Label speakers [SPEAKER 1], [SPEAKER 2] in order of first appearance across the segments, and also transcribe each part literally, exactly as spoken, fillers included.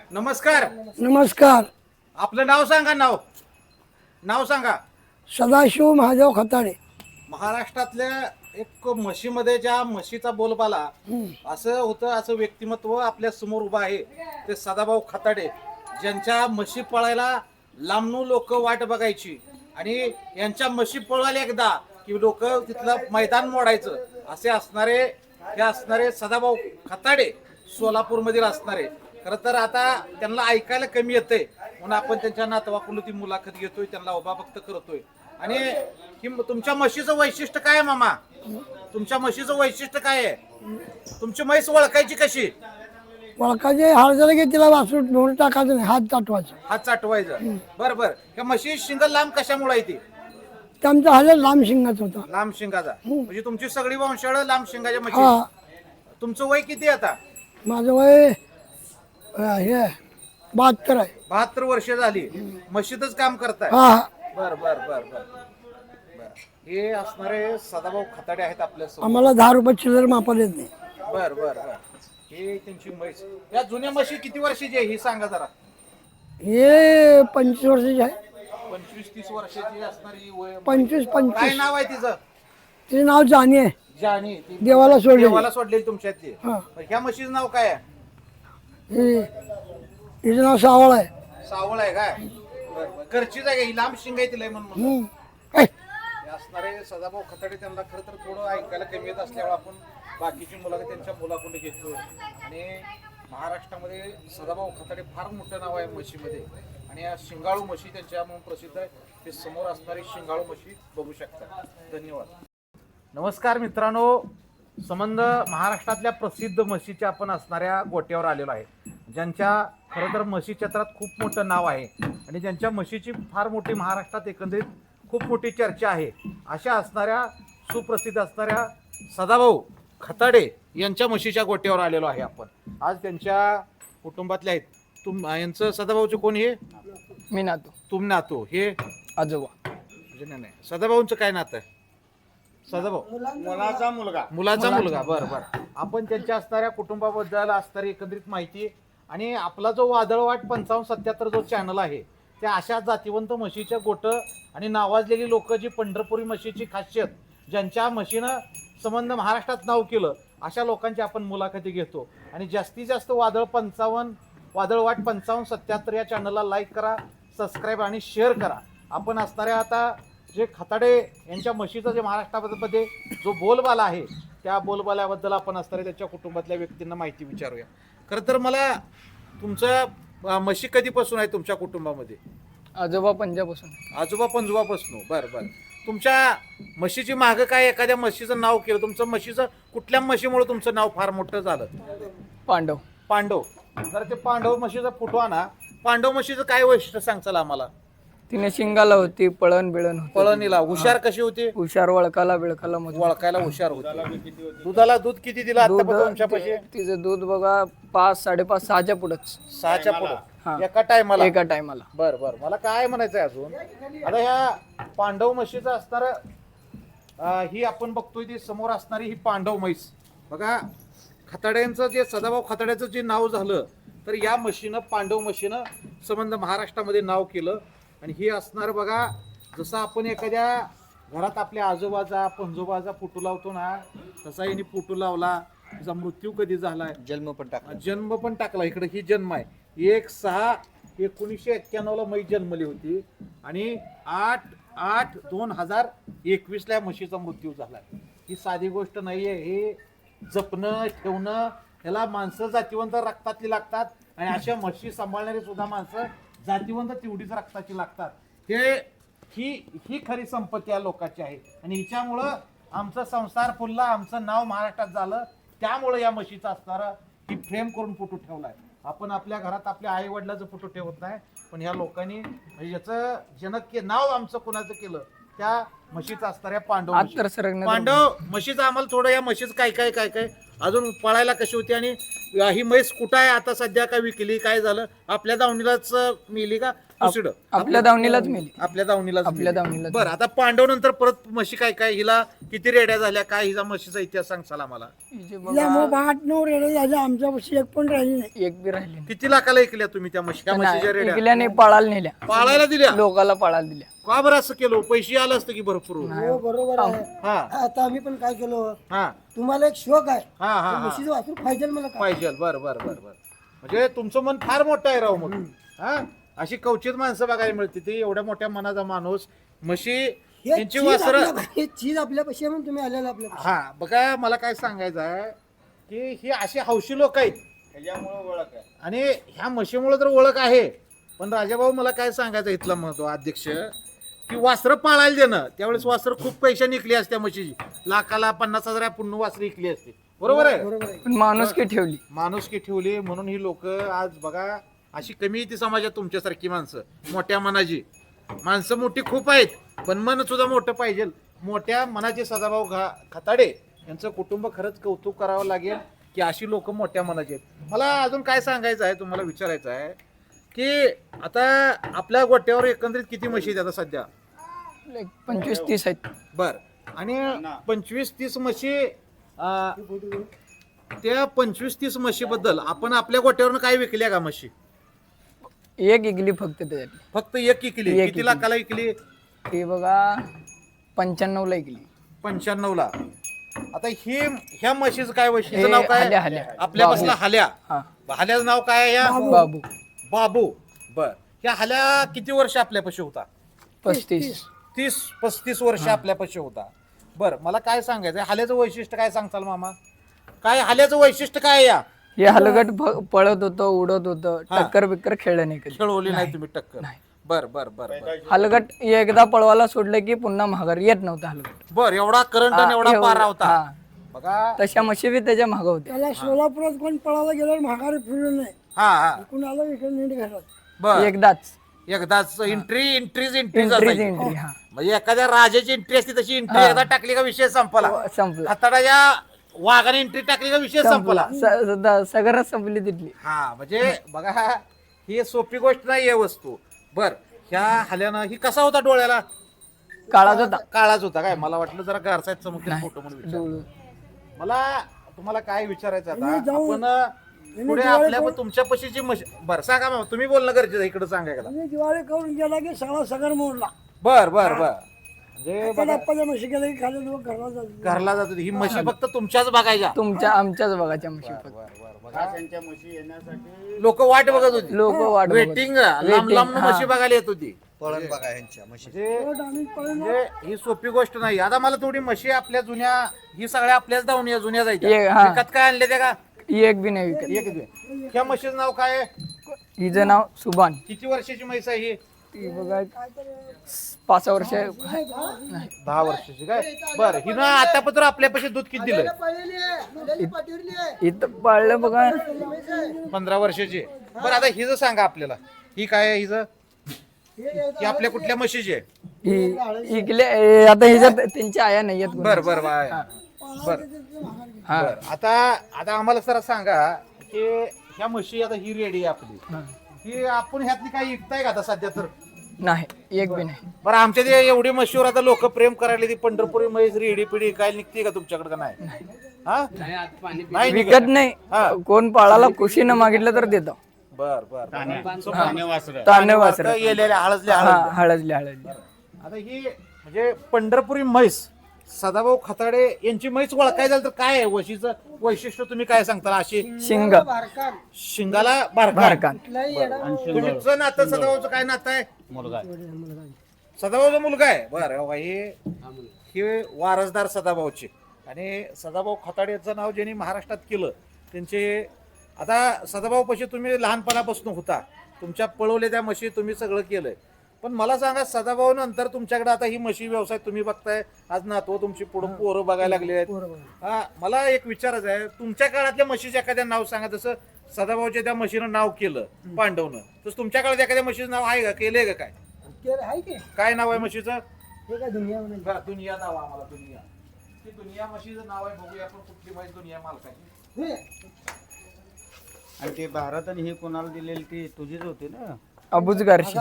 [SPEAKER 1] नमस्कार.
[SPEAKER 2] नमस्कार.
[SPEAKER 1] आपलं नाव सांगा. नाव नाव सांगा.
[SPEAKER 2] सदाशिव महादेव खताडे.
[SPEAKER 1] महाराष्ट्रातल्या एक म्हशीमध्ये ज्या म्हशीचा बोलबाला असं होतं, असं व्यक्तिमत्व आपल्या समोर उभं आहे ते सदाभाऊ खताडे, ज्यांच्या म्हशी पळायला लांबून लोक वाट बघायची आणि यांच्या म्हशी पळायला एकदा की लोक तिथलं मैदान मोडायचं असे असणारे हे असणारे सदाभाऊ खताडे सोलापूरमधील असणारे. खरं तर आता त्यांना ऐकायला कमी येतंय म्हणून आपण त्यांच्या नातवाकडून ती मुलाखत घेतोय, त्यांना उभा भक्त करतोय. आणि ही तुमच्या म्हशीचं वैशिष्ट्य काय आहे मामा? तुमच्या म्हशीचं वैशिष्ट्य काय आहे? तुमची म्हैस ओळखायची कशी?
[SPEAKER 2] वळखाचे हार झालं की तिला वासरू ढोल टाकायचं नाही, हात चाटवायचा.
[SPEAKER 1] हात चाटवायचं. बरं बरं. ह्या म्हशी शिंग लांब कशामुळे आहे ती?
[SPEAKER 2] ते आमचा हाल लांब शिंगाचा होता.
[SPEAKER 1] लांब शिंगाचा म्हणजे तुमची सगळी वंशाळ लांब शिंगाच्या म्हशी.
[SPEAKER 2] हा.
[SPEAKER 1] तुमचं वय किती आता?
[SPEAKER 2] माझं वय अं, हे बहात्तर आहे.
[SPEAKER 1] बहात्तर वर्ष झाली म्हशीतच काम करताय.
[SPEAKER 2] हा हा.
[SPEAKER 1] बर बर बर बर बर. हे असणारे सदाभाऊ खताडे आहेत आपल्या समोर.
[SPEAKER 2] आम्हाला दहा रुपये चिल्लर मापाला येत नाही.
[SPEAKER 1] बर बर बर. हे त्यांची म्हैस. या जुन्या म्हशी किती वर्षाची आहे ही सांगा जरा.
[SPEAKER 2] हे पंचवीस वर्षाची आहे.
[SPEAKER 1] पंचवीस तीस वर्षाची असणारी वय.
[SPEAKER 2] पंचवीस
[SPEAKER 1] काय
[SPEAKER 2] पंचवीस
[SPEAKER 1] नाव आहे तिचं?
[SPEAKER 2] तिचं नाव जाणी आहे.
[SPEAKER 1] जानी. ती
[SPEAKER 2] देवाला सोडलेली.
[SPEAKER 1] देवाला सोडलेली तुमच्यातली.
[SPEAKER 2] हा.
[SPEAKER 1] ह्या म्हशीचं नाव काय आहे?
[SPEAKER 2] हे हिचं नाव सावळ आहे.
[SPEAKER 1] सावळ आहे काय? बर बर. घरचीच आहे का ही? लांब शिंग आहे तिला म्हणून म्हणलं.
[SPEAKER 2] हम्म. ऐ,
[SPEAKER 1] हे असणारे सदाभाऊ खताडे त्यांना खरं तर थोडं ऐकायला कमी येत असल्यामुळे आपण बाकीची मुलाखत त्यांच्या मुलाकडे घेतोय. आणि महाराष्ट्रामध्ये सदाभाऊ खताडे फार मोठं नाव आहे म्हशीमध्ये. आणि या शिंगाळू म्हशी त्यांच्या म्हणून प्रसिद्ध आहे. ते समोर असणारी शिंगाळू म्हशी बघू शकता. धन्यवाद. नमस्कार मित्रांनो. संबंध महाराष्ट्रातल्या प्रसिद्ध म्हशीच्या आपण असणाऱ्या गोट्यावर आलेलो आहे, ज्यांच्या खरं तर म्हशी क्षेत्रात खूप मोठं नाव आहे आणि ज्यांच्या म्हशीची फार मोठी महाराष्ट्रात एकंदरीत खूप मोठी चर्चा आहे. अशा असणाऱ्या सुप्रसिद्ध असणाऱ्या सदाभाऊ खताडे यांच्या म्हशीच्या गोट्यावर आलेलो आहे आपण. आज त्यांच्या कुटुंबातले आहेत. तुम यांचं सदाभाऊचं कोण? हे
[SPEAKER 3] मी नातो.
[SPEAKER 1] तुम नातो. हे
[SPEAKER 3] आजोबा.
[SPEAKER 1] म्हणजे नाही नाही. सदाभाऊंचं काय नातं आहे? सदाभाऊ
[SPEAKER 4] मुलाचा मुलगा.
[SPEAKER 1] मुलाचा मुलगा. बरं बरं. आपण त्यांच्या असणाऱ्या कुटुंबाबद्दल असणारी एकंदरीत माहिती आणि आपला जो वादळवाट पंचावन्न सत्याहत्तर जो चॅनल आहे त्या अशा जातीवंत म्हशीच्या गोटं आणि नावाजलेली लोक जी पंढरपुरी म्हशीची खासियत ज्यांच्या म्हशीनं संबंध महाराष्ट्रात नाव केलं अशा लोकांची आपण मुलाखती घेतो. आणि जास्तीत जास्त वादळ पंचावन्न वादळवाट पंचावन्न सत्याहत्तर या चॅनलला लाईक करा, सबस्क्राईब आणि शेअर करा. आपण असणाऱ्या आता जे खताडे यांच्या म्हशीचा जे महाराष्ट्रामध्ये जो बोलबाला आहे त्या बोलबाल्याबद्दल आपण असणाऱ्या त्याच्या कुटुंबातल्या व्यक्तींना माहिती विचारूया. खरं तर मला तुमचं म्हशी कधीपासून आहे तुमच्या कुटुंबामध्ये?
[SPEAKER 3] आजोबा पंजापासून.
[SPEAKER 1] आजोबा पंजोबापासून. बरं बरं. तुमच्या म्हशीची मागं काय एखाद्या म्हशीचं नाव केलं? तुमचं म्हशीचं कुठल्या म्हशीमुळे तुमचं नाव फार मोठं झालं?
[SPEAKER 3] पांडव.
[SPEAKER 1] पांडव. जर ते पांडव म्हशीचा फोटो आणा. पांडव म्हशीचं काय वैशिष्ट्य सांगचाल आम्हाला?
[SPEAKER 3] तिने शिंगाला होती, पळण बिळण होती.
[SPEAKER 1] पळणीला हुशार कशी होती?
[SPEAKER 3] हुशार, वळकाला बिळकाला मजबूत.
[SPEAKER 1] वळखायला हुशार होती. दुधाला दूध किती दिलं आता तुमच्या पैसे?
[SPEAKER 3] तिचं दूध बघा पाच साडेपाच सहाच्या पुढंच.
[SPEAKER 1] सहाच्या
[SPEAKER 3] हा.
[SPEAKER 1] पुढं एका टायमाला?
[SPEAKER 3] एका टायमाला.
[SPEAKER 1] बर बर. मला काय म्हणायचंय अजून, आता ह्या पांडव म्हशीचं असणार ही आपण बघतोय ती समोर असणारी ही पांडव म्हैस बघा. खताड्यांचं जे सदाभाऊ खताड्याचं जे नाव झालं तर या म्हशीनं पांडव म्हशीनं संबंध महाराष्ट्रामध्ये नाव केलं. आणि ही असणार बघा, जसं आपण एखाद्या घरात आपल्या आजोबाचा पंजोबाचा फोटो लावतो ना तसा हिने फोटो लावला. तिचा मृत्यू कधी झालाय,
[SPEAKER 4] जन्म पण टाकला.
[SPEAKER 1] जन्म पण टाकला. इकडे ही जन्म आहे. एक सहा एकोणीसशे एक्क्याण्णव ला म्हैस जन्मली होती आणि आठ आठ दोन हजार एकवीस ला म्हशीचा मृत्यू झाला. ही साधी गोष्ट नाहीये. हे जपणं ठेवणं ह्याला माणसं जातीवंत रक्तातली लागतात आणि अशा म्हशी सांभाळणारी सुद्धा माणसं जातीवंत तेवढीच रक्ताची लागतात. हे ही ही खरी संपत्ती या लोकांची आहे आणि हिच्यामुळं आमचा संसार फुलला, आमचं नाव महाराष्ट्रात झालं. त्यामुळं या म्हशीचा असणारा ही फ्रेम करून फोटो ठेवलाय. आपण आपल्या घरात आपल्या आई वडिलाचं फोटो ठेवत नाही, पण ह्या लोकांनी याचं जनक के नाव आमचं कुणाचं केलं त्या म्हशीचं असणाऱ्या पांडव म्हशी.
[SPEAKER 3] आत्तर सरगण्यात
[SPEAKER 1] पांडव म्हशीचं आम्हाला थोडं या म्हशीचं काय काय काय काय अजून पळायला कशी होती आणि ही म्हैस कुठं आहे आता सध्या? काय विकली, काय झालं? आपल्या दावणीलाच मिली का दुसरीकडं
[SPEAKER 3] आपल्या दावणीलाच मेली.
[SPEAKER 1] आपल्या दावणीला
[SPEAKER 3] आपल्या दावणीलाच.
[SPEAKER 1] बरं आता पांडव नंतर परत म्हशी काय काय हिला किती रेड्या झाल्या काय हिचा म्हशीचा इतिहास सांगचाल आम्हाला.
[SPEAKER 3] हिचे
[SPEAKER 2] तिला
[SPEAKER 3] बघा
[SPEAKER 2] मग आठ नऊ रेडे झाले आमच्यापाशी एक पण राहिली नाही.
[SPEAKER 3] एक बी राहिली नाही.
[SPEAKER 1] किती लाखाला ऐकल्या तुम्ही त्या म्हशी त्या म्हशीच्या
[SPEAKER 3] नाही,
[SPEAKER 1] रेड्या
[SPEAKER 3] इकल्याने पळायला नेल्या,
[SPEAKER 1] पाळायला दिल्या
[SPEAKER 3] लोकाला पळायला दिल्या.
[SPEAKER 1] का बरं असं केलं पैसे आलं असतं की भरपूर.
[SPEAKER 5] हो बरोबर आहे.
[SPEAKER 1] हा
[SPEAKER 5] आता आम्ही पण काय केलो,
[SPEAKER 1] हा
[SPEAKER 5] तुम्हाला एक शौक आहे,
[SPEAKER 1] हा हा हा
[SPEAKER 5] म्हशीचं वासरू पाहिजे मला काय.
[SPEAKER 1] पाहिजे बर बर बर बर म्हणजे तुमचं मन फार मोठं आहे राव. मग हा अशी कवचित माणसं बघायला मिळते ती एवढ्या मोठ्या मनाचा माणूस म्हशी
[SPEAKER 5] हे
[SPEAKER 1] यांची
[SPEAKER 5] चीज
[SPEAKER 1] वासर.
[SPEAKER 5] आपल्या- हे चीज आपल्यापाशी आहे म्हणून तुम्ही आलेला आपल्यापाशी.
[SPEAKER 1] हा बघा मला काय सांगायचं आहे की ही अशी हौशी लोक आहेत
[SPEAKER 4] त्याच्यामुळे ओळख आहे.
[SPEAKER 1] आणि ह्या म्हशीमुळे तर ओळख आहे. पण राजाभाऊ मला काय सांगायचं इथला महत्व अध्यक्ष की वासरं पाळायला देणं त्यावेळेस वासरं खूप पैसे निघली असत्या म्हशीची लाखाला पन्नास हजार पुन्हा वासरं विकली असते बरोबर आहे.
[SPEAKER 5] बरोबर आहे.
[SPEAKER 3] पण माणूस की ठेवली.
[SPEAKER 1] माणुसकी ठेवली म्हणून ही लोक आज बघा अशी कमी येते समाजात तुमच्यासारखी माणसं मोठ्या मनाची माणसं मोठी खूप आहेत पण मन सुद्धा मोठं पाहिजे. मोठ्या मनाचे सदाभाऊ घा खताडे यांचं कुटुंब खरंच कौतुक करावं लागेल की अशी लोक मोठ्या मनाची आहेत. मला अजून काय सांगायचं आहे तुम्हाला विचारायचं आहे की आता आपल्या गोट्यावर एकंदरीत किती म्हशी आहेत आता सध्या.
[SPEAKER 3] एक पंचवीस तीस आहेत.
[SPEAKER 1] बर आणि पंचवीस तीस म्हशी अं, त्या पंचवीस तीस म्हशीबद्दल आपण आपल्या गोट्यावरून काय विकल्या का म्हशी.
[SPEAKER 3] एक इकली फक्त त्याच्यातली.
[SPEAKER 1] फक्त एक विकली.
[SPEAKER 3] एक
[SPEAKER 1] किती
[SPEAKER 3] विकली.
[SPEAKER 1] लाखाला विकली.
[SPEAKER 3] ती बघा पंच्याण्णव ला इकली.
[SPEAKER 1] पंच्याण्णव ला. आता ही ह्या म्हशीचं काय म्हशीचं नाव काय
[SPEAKER 3] हल्या हल्या
[SPEAKER 1] आपल्या बसला हाल्या.
[SPEAKER 3] हा
[SPEAKER 1] हाल्याचं नाव काय आहे या
[SPEAKER 3] बाबू
[SPEAKER 1] बाबू. बर ह्या हाल्या किती वर्ष आपल्यापाशी होता.
[SPEAKER 3] पस्तीस.
[SPEAKER 1] तीस पस्तीस वर्ष आपल्यापाशी होता. बर मला काय सांगायचं हाल्याचं वैशिष्ट्य काय सांगताल मामा. काय हाल्याचं वैशिष्ट्य काय आहे या.
[SPEAKER 3] हे हलगट फ- पळत होतं उडत होतं
[SPEAKER 1] हा.
[SPEAKER 3] टक्कर बिक्कर खेळलं नाही कधी.
[SPEAKER 1] खेळवली नाही तुम्ही टक्कर.
[SPEAKER 3] नाही.
[SPEAKER 1] बर बर बर बर
[SPEAKER 3] हलगट एकदा पळवायला सोडलं की पुन्हा माघार येत नव्हता हलगट.
[SPEAKER 1] बर एवढा करंट आणि एवढा
[SPEAKER 3] एवढं-
[SPEAKER 1] पारा होता.
[SPEAKER 3] हा.
[SPEAKER 1] बघा
[SPEAKER 3] तशा म्हशी बी त्याच्या मागं होत्या.
[SPEAKER 2] त्याला सोलापुरात कोण पळायला गेल्यावर माघारी फिरलं नाही.
[SPEAKER 1] हा हा
[SPEAKER 2] कुणाला इकडे नीट घालत.
[SPEAKER 1] बर
[SPEAKER 3] एकदाच
[SPEAKER 1] एकदाच एंट्री एंट्रीज एंट्री
[SPEAKER 3] एंट्रीच एंट्री. हा
[SPEAKER 1] म्हणजे एखाद्या राजाची एंट्री असते तशी एंट्री एकदा टाकली का विषय संपला.
[SPEAKER 3] संपला
[SPEAKER 1] हाताळ्या वाघाने एंट्री टाकली का विषय संपला.
[SPEAKER 3] संपला स- सगळं संपली तिथली.
[SPEAKER 1] हा म्हणजे बघा ही सोपी गोष्ट नाही आहे वस्तू. बर ह्या हल्यानं ही कसा होता डोळ्याला.
[SPEAKER 3] काळाच होता.
[SPEAKER 1] काळाच होता काय मला वाटलं जरा गारसायत चमकले फोटो म्हणून विचार.
[SPEAKER 3] डोळं.
[SPEAKER 1] मला तुम्हाला काय विचारायचं आता
[SPEAKER 2] तुम्ही जाऊन-
[SPEAKER 1] आपण पुढे आपल्या तुमच्या पशीची म्हशी. बर सांगा मग तुम्ही बोलणं गरजेचं आहे, इकडे सांगायला.
[SPEAKER 2] मी दिवाळी करून गेला की सगळा सगर मोडला.
[SPEAKER 1] बर बर बर म्हणजे बघा,
[SPEAKER 2] बाप्पाच्या म्हशी गेला की खाली लोक घरला जातात.
[SPEAKER 1] घरला जात होती. ही म्हशी फक्त तुमच्याच बघायच्या.
[SPEAKER 3] तुमच्या आमच्याच बघाच्या म्हशी फक्त.
[SPEAKER 4] त्यांच्या म्हशी येण्यासाठी
[SPEAKER 1] लोक वाट बघत होती.
[SPEAKER 3] लोक वाट बघत.
[SPEAKER 1] वेटिंग लांब लांब
[SPEAKER 3] हा.
[SPEAKER 1] म्हशी बघायला येत होती.
[SPEAKER 4] पळण बघा यांच्या म्हशी.
[SPEAKER 1] म्हणजे
[SPEAKER 2] शेवट आम्ही पळून
[SPEAKER 1] म्हणजे ही सोपी गोष्ट नाही. आता मला थोडी म्हशी आपल्या जुन्या ही सगळ्या आपल्याच दावण्या जुन्या
[SPEAKER 3] ये,
[SPEAKER 1] जायच्या.
[SPEAKER 3] हा.
[SPEAKER 1] विकत काय आणले त्या का
[SPEAKER 3] एक बी नाही विकत.
[SPEAKER 1] एक दे. ह्या म्हशीचं नाव काय आहे?
[SPEAKER 3] हिचं नाव सुभान.
[SPEAKER 1] किती वर्षाची म्हैस आहे ही.
[SPEAKER 3] ती बघा पाच सहा वर्ष.
[SPEAKER 1] दहा वर्षाची काय. बरं हिनं आतापर्यंत आपल्यापाशी दूध किती दिलंय.
[SPEAKER 3] इथं पाळलं बघा
[SPEAKER 1] पंधरा वर्षाची. बरं आता हिचं सांगा आपल्याला ही काय आहे हिचं. ही आपल्या कुठल्या म्हशीची आहे.
[SPEAKER 3] ही इकले ए, आता हिच्यात त्यांच्या आया नाही आहेत.
[SPEAKER 1] बर बर बाय बर
[SPEAKER 3] हा
[SPEAKER 1] बर आता आता आम्हाला जरा सांगा की ह्या म्हशी आता ही रेडी आहे आपली.
[SPEAKER 3] हा.
[SPEAKER 1] ही आपण ह्यातली काही विकताय का आता सध्या तर.
[SPEAKER 3] नाही एक बी नाही.
[SPEAKER 1] बरं आमच्या ते एवढी म्हशीवर आता लोक प्रेम करायला ती पंढरपुरी म्हैस रेडी पिढी काय निघते का तुमच्याकडे का नाही. हा नाही निघत.
[SPEAKER 3] विकत नाही.
[SPEAKER 1] हा.
[SPEAKER 3] कोण पाळाला खुशीनं मागितलं तर देतो.
[SPEAKER 1] बर बर
[SPEAKER 4] ताने वासरं.
[SPEAKER 3] ताने वासर.
[SPEAKER 1] गेलेल्या हळदले
[SPEAKER 3] हा
[SPEAKER 1] हळद.
[SPEAKER 3] हळदली हळदली.
[SPEAKER 1] आता ही म्हणजे पंढरपुरी म्हैस सदाभाऊ खताडे यांची म्हैस ओळखाय झालं तर काय आहे वशीचं वैशिष्ट्य तुम्ही काय सांगता. अशी
[SPEAKER 3] शिंग
[SPEAKER 1] शिंगाला बारका.
[SPEAKER 3] भारकान.
[SPEAKER 1] तुमचं नातं सदाभाऊचं काय नातं आहे.
[SPEAKER 4] मुलगा
[SPEAKER 1] सदाभाऊचा मुलगा आहे. बरं हे हे वारसदार सदाभाऊचे आणि सदाभाऊ खताडे यांचं नाव ज्यांनी महाराष्ट्रात केलं त्यांचे. आता सदाभाऊ पशी तुम्ही लहानपणापासून होता तुमच्या पळवले त्या म्हशी तुम्ही सगळं केलंय. पण मला सांगा सदाभाऊ नंतर तुमच्याकडे आता ही म्हशी व्यवसाय तुम्ही बघताय आज नातव तुमची पुढे पोरं बघायला लागले आहेत. हा मला एक विचारायचं आहे तुमच्या काळातल्या म्हशीचं एखाद्या नाव सांगा. जसं सदाभाऊच्या त्या म्हशीनं नाव केलं पांडवनं तसं तुमच्या काळात एखाद्या म्हशीचं नाव आहे का केलंय का काय.
[SPEAKER 5] आहे की
[SPEAKER 1] काय नाव आहे म्हशीचं.
[SPEAKER 5] हे काय दुनिया म्हणायची.
[SPEAKER 1] बरं, दुनिया नाव आम्हाला दुनिया. ती दुनिया म्हशीचं नाव आहे बघूया आपण कुठली म्हैस दुनिया मालकाची.
[SPEAKER 5] हे,
[SPEAKER 4] आणि ते भारत आणि हे कोणाला दिलेली ती तुझीच होती ना.
[SPEAKER 3] अबुज गारशी.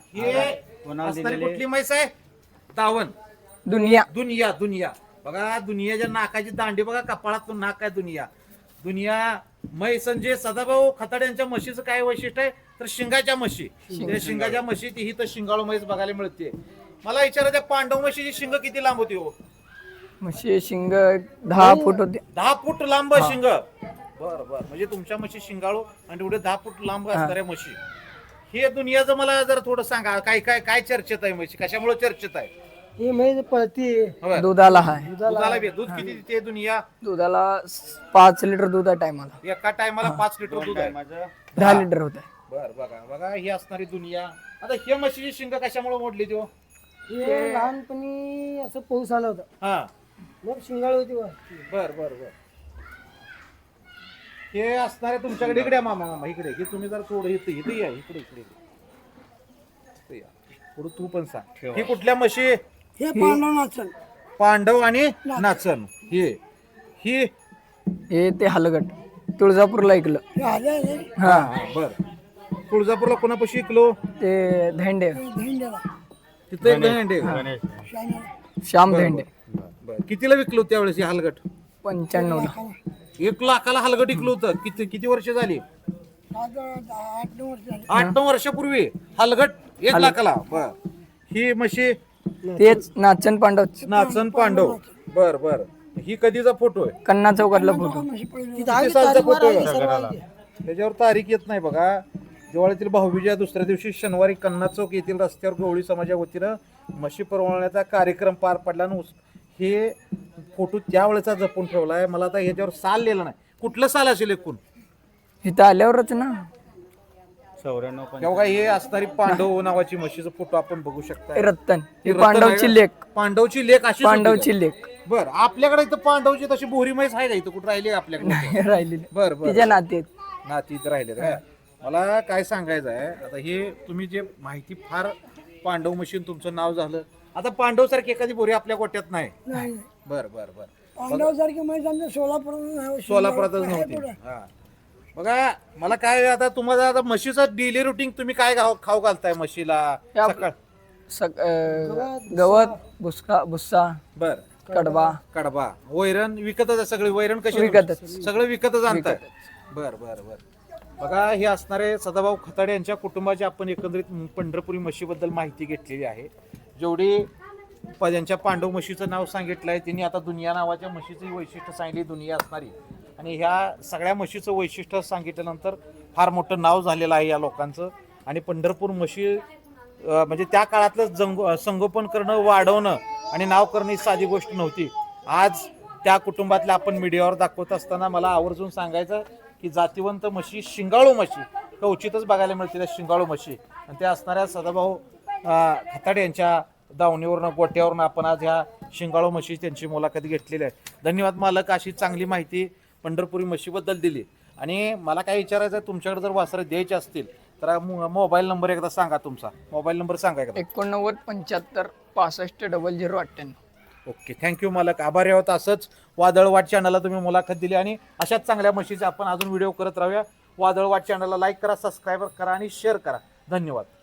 [SPEAKER 1] हे असणारी कुठली म्हैस आहे? दावण.
[SPEAKER 3] दुनिया
[SPEAKER 1] दुनिया दुनिया बघा, दुनियाच्या नाकाची दांडी बघा, कपाळात नाक आहे दुनिया. दुनिया म्हैस म्हणजे सदाभाऊ खताडे यांच्या म्हशीचं काय वैशिष्ट्य आहे तर शिंगाच्या म्हशी. त्या शिंगाच्या म्हशी ती ही तर शिंगाळू म्हैस बघायला मिळते. मला विचारायचं, पांडव म्हशीची शिंग किती लांब होती हो?
[SPEAKER 3] म्हशी शिंग दहा फूट होते.
[SPEAKER 1] दहा फूट लांब शिंग. बर बर, म्हणजे तुमच्या म्हशी शिंगाळू आणि एवढे दहा फूट लांब असणाऱ्या म्हशी. हे दुनियाचं मला जर थोडं सांगा, काय काय काय चर्चेत आहे म्हशी, कशामुळे चर्चेत आहे?
[SPEAKER 5] ही म्हैस पळती
[SPEAKER 1] होय.
[SPEAKER 3] दुधाला आहे.
[SPEAKER 1] दुधाला बी- दूध किती देते दुनिया?
[SPEAKER 3] दुधाला पाच लिटर दूध आहे टायमाला.
[SPEAKER 1] एका टायमाला पाच लिटर दूध आहे.
[SPEAKER 4] माझं
[SPEAKER 3] दहा लिटर होत आहे.
[SPEAKER 1] बर बघा बघा, ही असणारी दुनिया. आता हे म्हशीची शिंग कशामुळे मोडली ती हो?
[SPEAKER 5] हे लहानपणी असं पाऊस आला होता,
[SPEAKER 1] हा,
[SPEAKER 5] मग शिंगाळ होती वर.
[SPEAKER 1] बर बर बर. हे असणारे तुमच्याकडे इकडे या मामा, मामा इकडे, की तुम्ही जर थोडं इथे इथे या, इकडे इकडे इकडे या. थोडं तू पण सांग, ही कुठल्या म्हशी?
[SPEAKER 2] हे पांडव नाचन
[SPEAKER 1] पांडव आणि नाचन. हे ही
[SPEAKER 3] हे ते हलगट तुळजापूरला ऐकलं.
[SPEAKER 2] हे आले आले
[SPEAKER 1] हा हा, बर. तुळजापूरला कोणापाशी शिकलो?
[SPEAKER 3] ते धेंडे
[SPEAKER 2] धेंड्याला
[SPEAKER 1] तिथे एक भेंडे.
[SPEAKER 4] गणेश
[SPEAKER 2] शाण्याला.
[SPEAKER 3] श्याम धेंडे
[SPEAKER 1] बर, कितीला विकलो त्यावेळेस हे हलगट?
[SPEAKER 3] पंच्याण्णव ला.
[SPEAKER 1] एक लाखाला हलगट विकलो होतं. किती किती वर्ष झाली?
[SPEAKER 2] आज आठ नऊ वर्ष झाले.
[SPEAKER 1] आठ नऊ वर्षापूर्वी हलगट एक लाखाला. बर. ही म्हशी
[SPEAKER 3] तेच नाचन पांडव
[SPEAKER 1] नाचन पांडव. बर बर. ही कधीचा फोटो आहे?
[SPEAKER 3] कन्ना चौकातला फोटो.
[SPEAKER 2] म्हशी पळली.
[SPEAKER 5] तिथं आहे
[SPEAKER 1] किती सालचा
[SPEAKER 5] तारीख
[SPEAKER 1] फोटो
[SPEAKER 5] वर आहे,
[SPEAKER 1] आहे?
[SPEAKER 5] सर्व आहे ते.
[SPEAKER 1] त्याच्यावर तारीख येत नाही बघा. दिवाळीतील भाऊबीजेच्या दुसऱ्या दिवशी शनिवारी कन्ना चौक येथील रस्त्यावर गवळी समाजा वतीनं म्हशी परवण्याचा कार्यक्रम पार पडला. आणि उस- हे फोटो त्यावेळेचा जपून ठेवला आहे. मला आता ह्याच्यावर साल लिहिलं नाही. कुठलं साल असेल एकूण?
[SPEAKER 3] इथं आल्यावरच ना.
[SPEAKER 4] चौऱ्याण्णव
[SPEAKER 1] तेव्हा हे असणारी पांडव नावाची म्हशीचा फोटो आपण बघू शकता.
[SPEAKER 3] हे रत्तन
[SPEAKER 1] ही
[SPEAKER 3] ही
[SPEAKER 1] रतन
[SPEAKER 3] पांडवची
[SPEAKER 1] आहे.
[SPEAKER 3] लेख.
[SPEAKER 1] पांडवची लेख अशी
[SPEAKER 3] पांडवची लेख
[SPEAKER 1] बर. आपल्याकडे इथं पांडवची तशी बोरी म्हैस आहे का इथं? कुठं राहिली आपल्याकडे?
[SPEAKER 3] राहिलेली
[SPEAKER 1] बर बर.
[SPEAKER 3] तिच्या नाते
[SPEAKER 1] नाती इथं राहिले का? मला काय सांगायचं आहे, आता हे तुम्ही जे माहिती फार पांडव मशीन तुमचं नाव झालं. आता पांडव सारखी एखादी बोरी आपल्या गोट्यात नाही.
[SPEAKER 2] नाही
[SPEAKER 1] बर बर बर.
[SPEAKER 2] पांडव सारखी म्हैस आमच्या सोलापूर
[SPEAKER 1] सोलापुरातच नव्हती. हा बघा, मला काय आता तुम्हाला आता म्हशीचं डेली रुटीन तुम्ही काय खाऊ खाऊ घालताय म्हशीला?
[SPEAKER 3] या-
[SPEAKER 1] सकाळ
[SPEAKER 3] सग- अं, गवत भुसका भुस्सा
[SPEAKER 1] बर.
[SPEAKER 3] कडबा
[SPEAKER 1] कडबा वैरण विकतच आहे सगळी. वैरण कशी?
[SPEAKER 3] विकतच.
[SPEAKER 1] सगळं विकतच आणताय. बर बर बर. बघा, हे असणारे सदाभाऊ खताडे यांच्या कुटुंबाची आपण एकंदरीत पंढरपुरी म्हशीबद्दल माहिती घेतलेली आहे. जेवढी प- ज्यांच्या पांडव म्हशीचं नाव सांगितलं आहे त्यांनी आता दुनिया नावाच्या म्हशीचं वैशिष्ट्य सांगितली, दुनिया असणारी. आणि ह्या सगळ्या म्हशीचं वैशिष्ट्य सांगितल्यानंतर फार मोठं नाव झालेलं आहे या लोकांचं. आणि पंढरपूर म्हशी अं, म्हणजे त्या काळातलं जंग संगोपन करणं, वाढवणं आणि नाव करणं ही साधी गोष्ट नव्हती. आज त्या कुटुंबातल्या आपण मीडियावर दाखवत असताना मला आवर्जून सांगायचं की जातिवंत म्हशी, शिंगाळू म्हशी क्वचितच बघायला मिळते त्या शिंगाळू म्हशी. आणि त्या असणाऱ्या सदाभाऊ अं, खताडे यांच्या दावणीवरनं गोट्यावरनं आपण आज ह्या शिंगाळू म्हशी त्यांची मुलाखत घेतलेली आहे. धन्यवाद मालक, अशी चांगली माहिती पंढरपुरी म्हशीबद्दल दिली. आणि मला काय विचारायचं आहे, तुमच्याकडे जर वासरं द्यायची असतील तर मोबाईल नंबर एकदा सांगा. तुमचा मोबाईल नंबर सांगा एकदा.
[SPEAKER 3] एकोणनव्वद पंच्याहत्तर पासष्ट डबल झिरो अठ्ठ्याण्णव.
[SPEAKER 1] ओके, थँक्यू मालक. आभारी आहोत. असंच वादळवाट चॅनलला तुम्ही मुलाखत दिली आणि अशाच चांगल्या म्हशीचे आपण अजून व्हिडिओ करत राहूया. वादळवाट चॅनलला लाईक करा, सबस्क्राईब करा आणि शेअर करा. धन्यवाद.